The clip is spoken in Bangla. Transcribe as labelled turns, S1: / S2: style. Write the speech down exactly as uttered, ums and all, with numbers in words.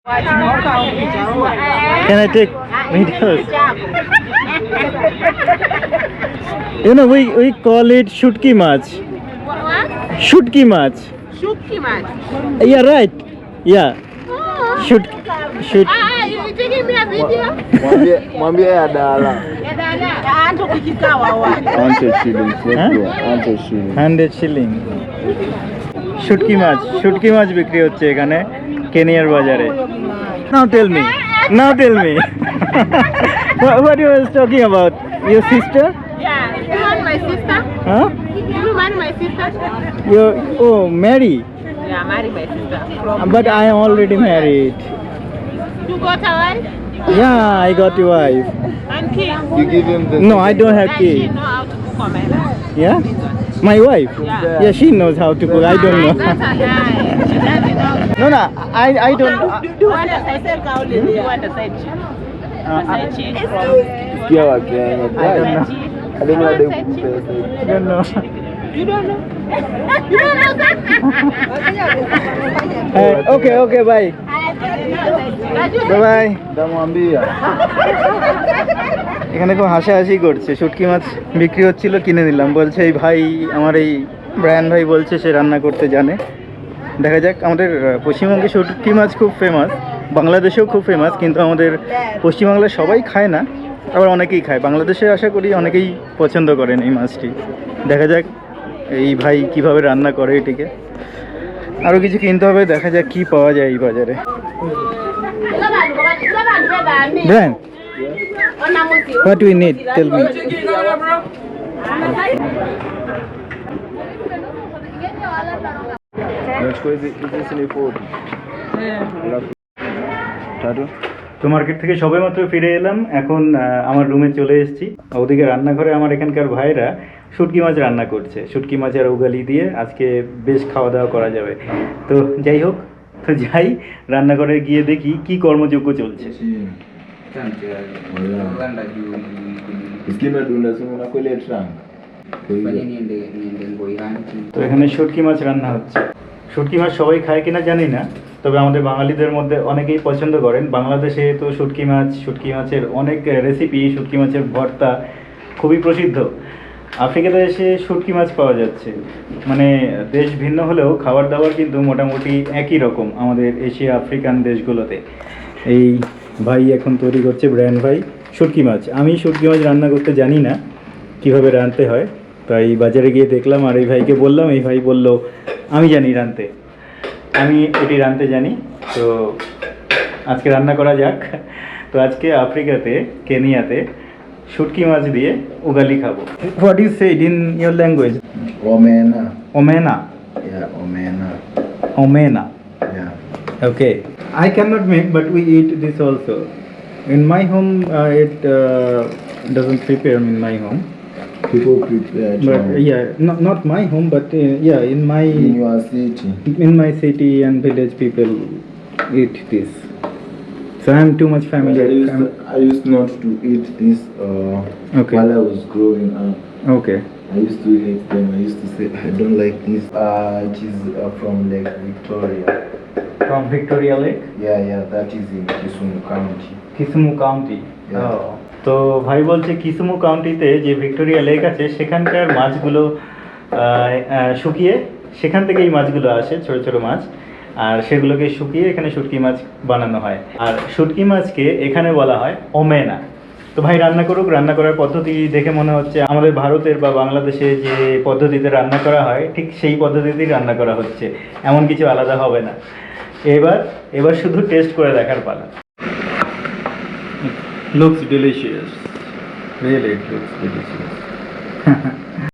S1: Can I take videos? You know, we we call it shutki mach.
S2: What?
S1: Shutki mach.
S2: Shutki mach.
S1: Yeah, right. Yeah.
S2: Oh.
S1: Shoot, shoot.
S2: Ah, you taking me a video?
S3: Mwambie mwambie ya dala.
S2: Ya dada. Anto kikikawa wapi?
S3: Hundred shillings. Let's go. Hundred shillings.
S1: Hundred shilling. শুটকি মাছ শুটকি মাছ বিক্রি হচ্ছে এখানে কেনিয়ার বাজারে। Now tell me. Now tell me. what, what you was talking about? Your sister?
S2: Yeah. You want my sister?
S1: Huh?
S2: You want my sister?
S1: You oh marry?
S2: Yeah, marry my sister.
S1: But I am already married.
S2: You got a wife?
S1: Yeah, I got a wife.
S2: And kid?
S3: You give him the.
S1: No, I don't have
S2: Does she
S1: kids.
S2: know how to cook on my life?
S1: Yeah? My wife?
S2: Yeah.
S1: Yeah, she knows how to cook. I don't know.
S2: That's a guy. She doesn't know.
S1: No, no, I I don't.
S2: You want a side chick? You want a side chick? A side chick?
S3: Sikia wa Kenya.
S1: I don't know.
S3: I don't know how they
S1: I don't know.
S2: You don't know? You don't know that?
S1: Uh, okay, okay, bye. Bye bye.
S3: Ndamwambia.
S1: এখানে খুব হাসাহাসি করছে শুটকি মাছ বিক্রি হচ্ছিল কিনে দিলাম বলছে এই ভাই আমার এই ব্রায়ান ভাই বলছে সে রান্না করতে জানে দেখা যাক আমাদের পশ্চিমবঙ্গে শুটকি মাছ খুব ফেমাস বাংলাদেশেও খুব ফেমাস কিন্তু আমাদের পশ্চিমবাংলায় সবাই খায় না আবার অনেকেই খায় বাংলাদেশে আশা করি অনেকেই পছন্দ করেন এই মাছটি দেখা যাক এই ভাই কিভাবে রান্না করে এটিকে আরও কিছু কিনতে হবে দেখা যাক কি পাওয়া যায় এই বাজারে Brian What do we need? Tell me.
S3: Nachukua hizi hizi ni forty. Alafu tatu.
S1: তো মার্কেট থেকে সবেমাত্র ফিরে এলাম এখন আমার রুমে চলে এসেছি ওদিকে রান্নাঘরে আমার এখানকার ভাইরা শুটকি মাছ রান্না করছে শুটকি মাছের উগালি দিয়ে আজকে বেশ খাওয়া দাওয়া করা যাবে তো যাই হোক তো যাই রান্নাঘরে গিয়ে দেখি কি কর্মযোগ্য চলছে
S3: Iskime dunda simu na kwele trunk.
S1: তো এখানে শুটকি মাছ রান্না হচ্ছে শুটকি মাছ সবাই খায় কিনা জানি না তবে আমাদের বাঙালিদের মধ্যে অনেকেই পছন্দ করেন বাংলাদেশে তো শুটকি মাছ শুটকি মাছের অনেক রেসিপি শুটকি মাছের ভর্তা খুবই প্রসিদ্ধ আফ্রিকাতে এসে শুটকি মাছ পাওয়া যাচ্ছে মানে দেশ ভিন্ন হলেও খাবার দাবার কিন্তু মোটামুটি একই রকম আমাদের এশিয়া আফ্রিকান দেশগুলোতে এই ভাই এখন তৈরি করছে ব্রায়ান ভাই শুটকি মাছ আমি শুটকি মাছ রান্না করতে জানি না কিভাবে রাঁধতে হয় তাই বাজারে গিয়ে দেখলাম আর এই ভাইকে বললাম এই ভাই বলল আমি জানি রাঁধতে আমি এটি রাঁধতে জানি তো আজকে রান্না করা যাক তো আজকে আফ্রিকাতে কেনিয়াতে শুটকি মাছ দিয়ে উগালি খাবো what is said in your language
S3: Omena.
S1: ওমেনা
S3: Yeah, omena.
S1: ওমেনা
S3: Yeah.
S1: Okay, I cannot make, but we eat this also. In my home, uh, it uh, doesn't prepare in my home.
S3: People prepare.
S1: But
S3: chong.
S1: uh, yeah, not not my home, but uh, yeah, in my
S3: In your city.
S1: in my city and village, people eat this. So I'm too much
S3: But
S1: familiar.
S3: I used,
S1: I'm-
S3: to, I used not to eat this uh,
S1: Okay.
S3: while I was growing up.
S1: okay.
S3: I used to hate them. I used to say I don't like this. Uh, it is uh, from Lake Victoria.
S1: From Victoria Lake,
S3: Yeah, yeah, that is in Kisumu County.
S1: Kisumu County.
S3: Yeah.
S1: Oh. তো ভাই বলছে কিসুমু কাউন্টিতে যে ভিক্টোরিয়া লেক আছে সেখানকার মাছগুলো আহ, আহ, শুকিয়ে সেখান থেকে এই মাছগুলো আসে ছোট ছোট মাছ আর সেগুলোকে শুকিয়ে এখানে শুটকি মাছ বানানো হয় আর শুটকি মাছকে এখানে বলা হয় ওমেনা তো ভাই রান্না করুক রান্না করার পদ্ধতি দেখে মনে হচ্ছে আমাদের ভারতের বা বাংলাদেশে যে পদ্ধতিতে রান্না করা হয় ঠিক সেই পদ্ধতিতেই রান্না করা হচ্ছে এমন কিছু আলাদা হবে না এবার এবার শুধু টেস্ট করে দেখার পালা Looks delicious. Really, it looks delicious.